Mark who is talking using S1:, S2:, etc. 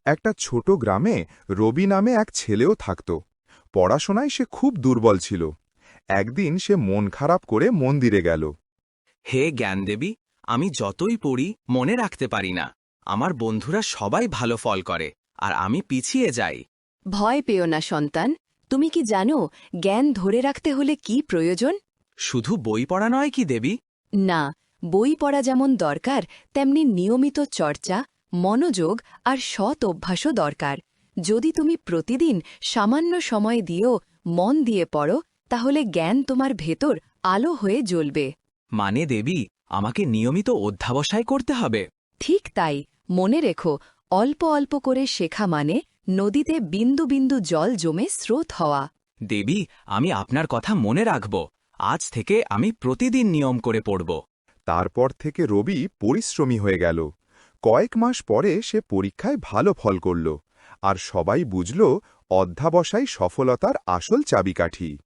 S1: একটা ছোট গ্রামে রবি নামে এক ছেলেও থাকত। পড়াশোনায় সে খুব দুর্বল ছিল। একদিন সে মন খারাপ করে মন্দিরে গেল।
S2: হে জ্ঞানদেবী, আমি যতই পড়ি মনে রাখতে পারি না। আমার বন্ধুরা সবাই ভালো ফল করে আর আমি পিছিয়ে যাই।
S3: ভয় পেও না সন্তান, তুমি কি জানো জ্ঞান ধরে রাখতে হলে কি প্রয়োজন?
S2: শুধু বই পড়া নয় কি দেবী?
S3: না, বই পড়া যেমন দরকার তেমনি নিয়মিত চর্চা, মনোযোগ আর সৎ অভ্যাসও দরকার। যদি তুমি প্রতিদিন সামান্য সময় দিয়েও মন দিয়ে পড়ো, তাহলে জ্ঞান তোমার ভেতর আলো হয়ে জ্বলবে।
S2: মানে দেবী, আমাকে নিয়মিত অধ্যাবসায় করতে হবে?
S3: ঠিক তাই, মনে রেখো, অল্প অল্প করে শেখা মানে নদীতে বিন্দু বিন্দু জল জমে স্রোত হওয়া।
S2: দেবী, আমি আপনার কথা মনে রাখব। আজ থেকে আমি প্রতিদিন নিয়ম করে পড়ব।
S1: তারপর থেকে রবি পরিশ্রমী হয়ে গেল। কয়েক মাস পরে সে পরীক্ষায় ভালো ফল করল, আর সবাই বুঝল অধ্যাবসায় সফলতার আসল চাবিকাঠি।